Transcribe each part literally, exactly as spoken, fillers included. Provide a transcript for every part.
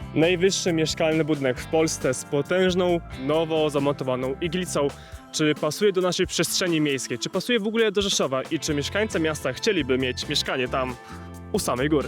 Najwyższy mieszkalny budynek w Polsce z potężną, nowo zamontowaną iglicą. Czy pasuje do naszej przestrzeni miejskiej? Czy pasuje w ogóle do Rzeszowa? I czy mieszkańcy miasta chcieliby mieć mieszkanie tam u samej góry?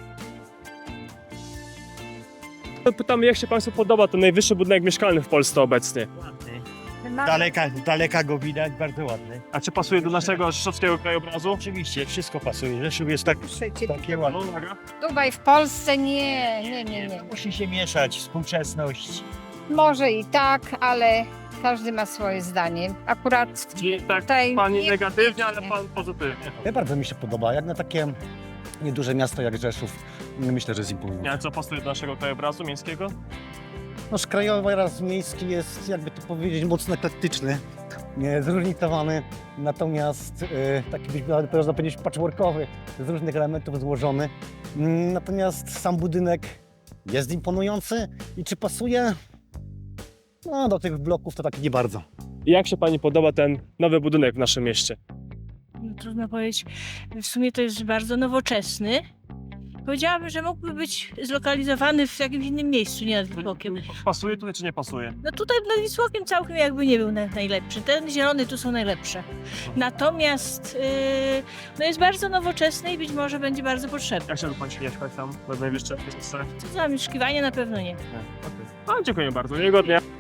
Pytamy, jak się Państwu podoba ten najwyższy budynek mieszkalny w Polsce obecnie? Ładny. Daleka, daleka go widać, bardzo ładny. A czy pasuje do naszego rzeszowskiego krajobrazu? Oczywiście, wszystko pasuje. Rzeszów jest tak, takie ładne. No, uwaga. Dubaj w Polsce nie, nie, nie, nie. Musi się mieszać współczesność. Może i tak, ale każdy ma swoje zdanie. Akurat Czyli tak, tutaj Pani nie- negatywnie, ale nie. Pan pozytywnie. Ja bardzo mi się podoba, jak na takie nieduże miasto jak Rzeszów, myślę, że jest imponujące. A co pasuje do naszego krajobrazu miejskiego? Nasz krajobraz miejski jest, jakby to powiedzieć, mocno eklektyczny, nie, zróżnicowany, natomiast e, taki byś można powiedzieć patchworkowy, z różnych elementów złożony. Mm, Natomiast sam budynek jest imponujący i czy pasuje? No, do tych bloków to tak nie bardzo. I jak się Pani podoba ten nowy budynek w naszym mieście? No, trudno powiedzieć. W sumie to jest bardzo nowoczesny. Powiedziałabym, że mógłby być zlokalizowany w jakimś innym miejscu, nie nad Wisłokiem. Pasuje tutaj czy nie pasuje? No tutaj nad Wisłokiem całkiem jakby nie był na- najlepszy. Ten zielony tu są najlepsze. Natomiast yy, no jest bardzo nowoczesny i być może będzie bardzo potrzebny. Jak chciałby Pan się mieszkać tam w najwyższej miejsce? Co za zamieszkiwanie na pewno nie. A, dziękuję bardzo, miłego dnia.